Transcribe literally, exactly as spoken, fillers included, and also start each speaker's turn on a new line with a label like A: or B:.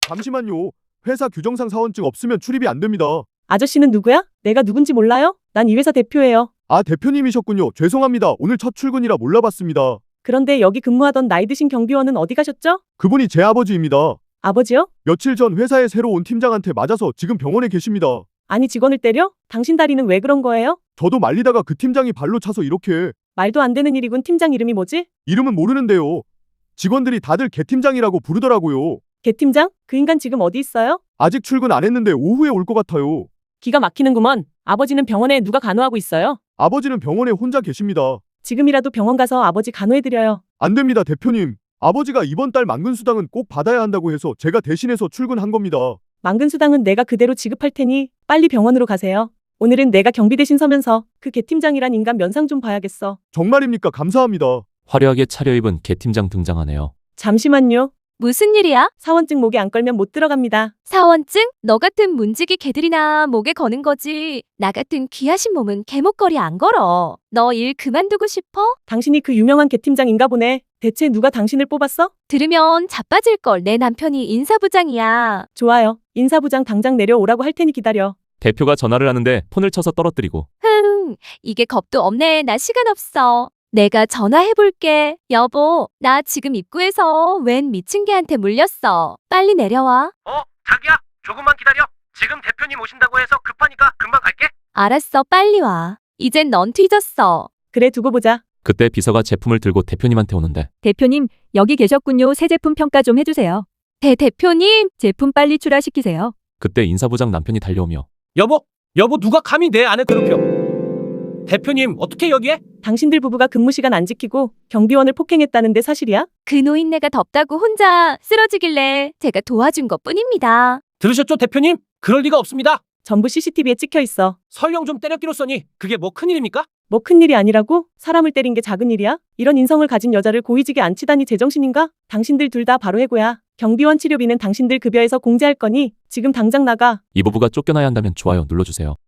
A: 잠시만요. 회사 규정상 사원증 없으면 출입이 안 됩니다.
B: 아저씨는 누구야? 내가 누군지 몰라요? 난 이 회사 대표예요.
A: 아, 대표님이셨군요. 죄송합니다. 오늘 첫 출근이라 몰라봤습니다.
B: 그런데 여기 근무하던 나이 드신 경비원은 어디 가셨죠?
A: 그분이 제 아버지입니다.
B: 아버지요?
A: 며칠 전 회사에 새로 온 팀장한테 맞아서 지금 병원에 계십니다.
B: 아니 직원을 때려? 당신 다리는 왜 그런 거예요?
A: 저도 말리다가 그 팀장이 발로 차서 이렇게.
B: 말도 안 되는 일이군. 팀장 이름이 뭐지?
A: 이름은 모르는데요. 직원들이 다들 개 팀장이라고 부르더라고요.
B: 개 팀장? 그 인간 지금 어디 있어요?
A: 아직 출근 안 했는데 오후에 올 것 같아요.
B: 기가 막히는구먼. 아버지는 병원에 누가 간호하고 있어요?
A: 아버지는 병원에 혼자 계십니다.
B: 지금이라도 병원 가서 아버지 간호해드려요.
A: 안 됩니다, 대표님. 아버지가 이번 달 만근수당은 꼭 받아야 한다고 해서 제가 대신해서 출근한 겁니다.
B: 만근수당은 내가 그대로 지급할 테니 빨리 병원으로 가세요. 오늘은 내가 경비 대신 서면서 그 개 팀장이란 인간 면상 좀 봐야겠어.
A: 정말입니까? 감사합니다.
C: 화려하게 차려입은 개 팀장 등장하네요.
B: 잠시만요.
D: 무슨 일이야?
B: 사원증 목에 안 걸면 못 들어갑니다.
D: 사원증? 너 같은 문지기 개들이나 목에 거는 거지. 나 같은 귀하신 몸은 개목걸이 안 걸어. 너 일 그만두고 싶어?
B: 당신이 그 유명한 개 팀장인가 보네. 대체 누가 당신을 뽑았어?
D: 들으면 자빠질걸. 내 남편이 인사부장이야.
B: 좋아요. 인사부장 당장 내려오라고 할 테니 기다려.
C: 대표가 전화를 하는데 폰을 쳐서 떨어뜨리고
D: 흥, 이게 겁도 없네. 나 시간 없어. 내가 전화해볼게. 여보, 나 지금 입구에서 웬 미친 개한테 물렸어. 빨리 내려와.
E: 어, 자기야, 조금만 기다려. 지금 대표님 오신다고 해서 급하니까 금방 갈게.
D: 알았어, 빨리 와. 이젠 넌 뒤졌어.
B: 그래 두고 보자.
C: 그때 비서가 제품을 들고 대표님한테 오는데
F: 대표님, 여기 계셨군요. 새 제품 평가 좀 해주세요.
D: 대 대표님,
F: 제품 빨리 출하시키세요.
C: 그때 인사부장 남편이 달려오며
E: 여보, 여보 누가 감히 내 아내 괴롭혀? 대표님, 어떻게 여기에?
B: 당신들 부부가 근무 시간 안 지키고 경비원을 폭행했다는데 사실이야?
D: 그 노인네가 덥다고 혼자 쓰러지길래 제가 도와준 것뿐입니다.
E: 들으셨죠, 대표님? 그럴 리가 없습니다.
B: 전부 씨씨티비에 찍혀 있어.
E: 설령 좀 때렸기로 써니 그게 뭐 큰일입니까?
B: 뭐 큰일이 아니라고? 사람을 때린 게 작은 일이야? 이런 인성을 가진 여자를 고위직에 앉히다니 제정신인가? 당신들 둘 다 바로 해고야. 경비원 치료비는 당신들 급여에서 공제할 거니 지금 당장 나가.
C: 이 부부가 쫓겨나야 한다면 좋아요 눌러주세요.